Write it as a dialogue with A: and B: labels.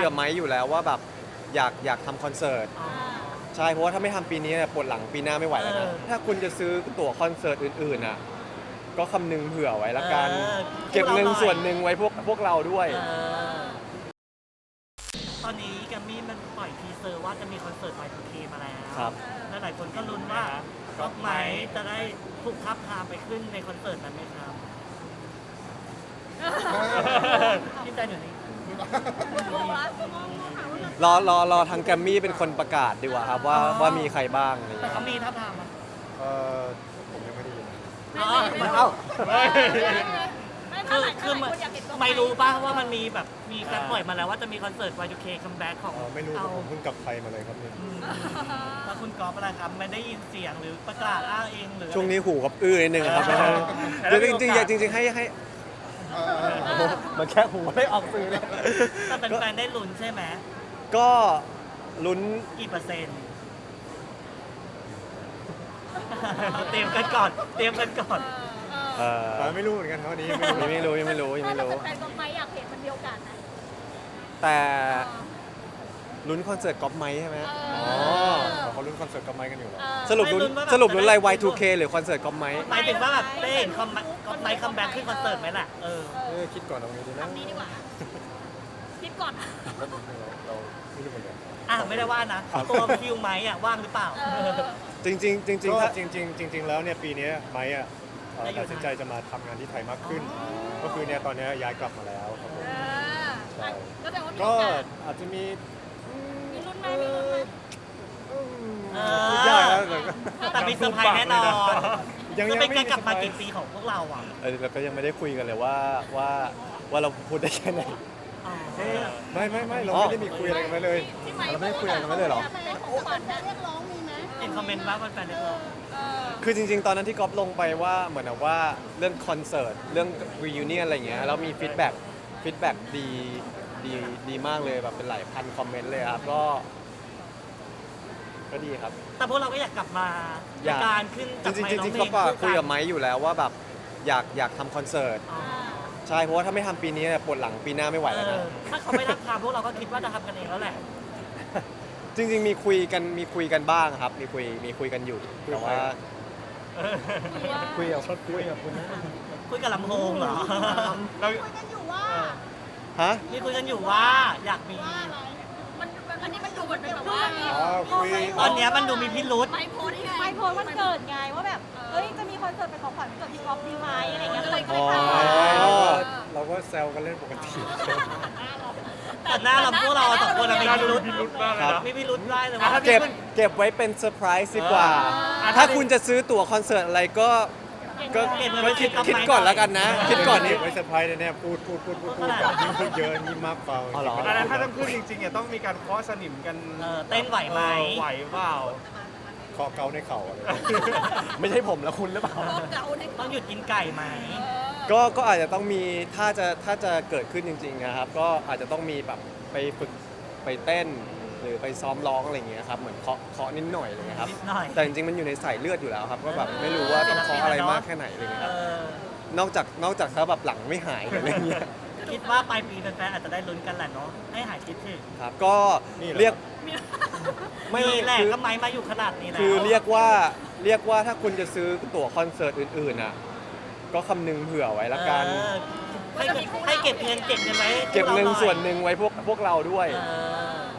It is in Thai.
A: กับไม้อยู่แล้วว่าแบบอยากทำคอนเสิร์ตใช่เพราะว่าถ้าไม่ทำปีนี้ปวดหลังปีหน้าไม่ไหวแล้วนะถ้าคุณจะซื้อตั๋วคอนเสิร์ตอื่นๆน่ะก็คำนึงเผื่อไว้ละกันเก็บเงินส่วนหนึ่งไว้พวกเราด้วย
B: ตอนนี้แกมมี่มันปล่อยทีเซอร์ว่าจะมีคอนเสิร์ต Y2K มาแล้ว
A: ครับ
B: และหลายคนก็ลุ้นว่าก๊อฟไม้จะได้ถูกทับทามไปขึ้นในคอนเสิร์ตนั้นไหมครับที่ใจหนูนี่
A: รอทางแกรมมี่เป็นคนประกาศดีกว่าครับว่ามีใครบ้างอะไรอย่าง
B: แต่
A: เงี้ย
B: เขามีทับทามมั้ย
C: ผมยังไม่ได้ยิน
A: เอ้า
B: คือไม่รู้ป่ะว่ามันมีแบบมีการปล่อยมาแล้วว่าจะมีคอนเสิร์ต Y2K คัมแบ็กของ
C: ไม่รู้
B: เอา
C: ผมเพิ่งกลับไทยมาเลยครับเนี่ย
B: แล้วคุณก๊อฟอะไรครับไม่ได้ยินเสียงหรือประกาศอ้างเองหรือ
A: ช่วงนี้หูกับนิดนึงครับจริงๆจริงๆให้มันแค่หูไม่ออกสื่อเลย
B: แต่เป็นแฟนได้ลุ้นใช่ไหม
A: ก็ลุ้น
B: กี่เปอร์เซ็นต์ เตรียมกันก่อน
C: ไม่รู้เหมือนกันครับวันนี้
A: ยังไม่รู้
D: แฟนๆก็ไม่อยากเห็นมันมีโอกาสนะ
A: แต่ลุ้นคอนเสิร์ตก๊อฟไมค์ใช่ไหม
C: เขาลุ้นคอนเสิร์ตกับไมค์กันอยู่เหรอ
A: สรุปลุ้นอะไร Y2K หรือคอนเสิร์ตก๊อฟไมค์
B: หมายถึงว่าแบบได้เห็นก๊อฟไมค์คัมแบ็กขึ้นคอนเสิร์ตไหมล่ะ
C: คิดก่อนเอาไงดีนะ
D: ทำนี้ดีกว่าคิดก่อน
C: เราไม่รู้เหมือนกัน
B: ไม่ได้ว่านะตัวคิวไมค์ว่างหรือเปล่า
A: จริงๆ
C: ก็
A: ถ้า
C: จริงแล้วเนี่ยปีนี้ไมค์ตัดสินใจจะมาทำงานที่ไทยมากขึ้น ก็คือเนี่ยตอนนี้ย้ายกลับมาแล้วครับผมใช่
D: ก็แสดงว่ามี
C: ก็
D: โอกาส
C: อาจจะมี
D: มีรุ่นไหมมีรุ่นไหม
C: พูดยากแล้ว
B: แต่มีเซอร์ไพรส์แน่นอน
C: ยัง
B: จะ
C: ไม่
B: เป็น
C: มี
B: การกลับมากี่ปีของพวกเราอ่ะ
A: เราก็ยังไม่ได้คุยกันเลยว่าเราพูดได้แค่ไหน
C: ไม่เราไม่ได้มีคุยอะไรกันไว้เลย
D: ที่ไหม
A: เราไม่ได้คุยอะไรกันไว้เลยเหรอ
D: ได้ของขวัญเรียกร้องมีไหม
B: เห็นคอมเมนต์ว่าแฟนๆเรียกร้อง
A: คือจริงๆ ตอนนั้นที่ก๊อฟลงไปว่าเหมือนกับว่าเรื่องคอนเสิร์ตเรื่อง reunion อะไรเงี้ยแล้วมีฟีดแบ็กดีมากเลยแบบเป็นหลายพันคอมเมนต์เลยครับก็ดีครับ
B: แต่พวกเราก็อยากกลับมา
A: อยาก
B: การขึ้น
A: จริงๆก็คุยกับไม้อยู่แล้วว่าแบบอยากทำคอนเสิร์ตใช่เพราะว่าถ้าไม่ทำปีนี้ปวดหลังปีหน้าไม่ไหวแล้วนะ
B: ถ้าเขาไม่รับทำพวกเราก็คิดว่าจะทำกันเองแล้วแหละ
A: จริงๆมีคุยกันบ้างครับมีคุยกันอยู่แต่ว่าคุยกับคุณนะ
B: คุยกับลำโพงเหรอ
C: เรา
D: คุยกันอยู่ว่า
A: ฮะ
B: นี่คุยกันอยู่ว่าอยากมี
D: อะไรมันอันนี้มันดูเหมือนเป็นแบบว่า
C: คุย
B: ตอนเนี้ยมันดูมีพิรุษ
D: ไม่โพสต์ไง
E: ไม่โพสต์วันเกิดไงว่าแบบ เอ้ย จะมีคอนเสิร์ตเป็นของขวัญวันเกิดพี่ก๊อฟดีไหมอะไรเงี้ยก็เลย
A: อ๋อ
C: เราก็แซวกันเล่นปกติ
B: แต่หน้าเราพวกเราสองคนมีพิรุษ
A: ครับ
B: มีพิรุษได้เลยว่า
A: เก็บไว้เป็นเซอร์ไพรส์ดีกว่า ถ้าคุณจะซื้อตั๋วคอนเสิร์ตอะไรก็คิดก่อนแล้วกันนะ คิดก่อนนี้
C: ไว้เซอร์ไพรส์แน่ๆพูดแบบยิ่งพูดเยอะยิ่งมากเปล่า
A: อ๋อเหรอ
F: แล้วถ้าต้องขึ้นจริงๆเนี่ยต้องมีการเคาะสนิมกัน
B: เต้นไหวไหม
F: ไหวเปล่า
C: คอเกาในเข่าอะไร
A: ไม่ใช่ผมแล้วคุณหรือเปล่า
D: เก่าใน
B: ต้องหยุดกินไก่ไหม
A: ก็อาจจะต้องมีถ้าจะเกิดขึ้นจริงๆนะครับก็อาจจะต้องมีแบบไปฝึกไปเต้น หรือไปซ้อมร้องอะไรอย่างเงี้ยครับเหมือนเคาะนิดหน่อยอะไรเงี้ยครับ
B: นิดหน่อย
A: แต่จริงๆมันอยู่ในสายเลือดอยู่แล้วครับก็แบบไม่รู้ว่าต้องเคาะอะไรมากแค่ไหนอะไรเงี้ยครับนอกจากถ้าแบบหลังไม่หายอะไรเงี้ย
B: คิดว่าปลายปีแฟนๆอาจจะได้ลุ้นกันแหละเนาะให้หายคิดถึง
A: ครับก็เรียกไม่
B: นี่แหละ
A: คือ
B: ก็ไม้มาอยู่ขนาดนี้แล้ว
A: คือเรียกว่าถ้าคุณจะซื้อตั๋วคอนเสิร์ตอื่นๆน่ะก็คำนึงเผื่อไว้ละกัน
B: ให้เก็บเงินไว้
A: เก็บเงินส่วนหนึ่งไว้พวกเราด้วย
B: เออ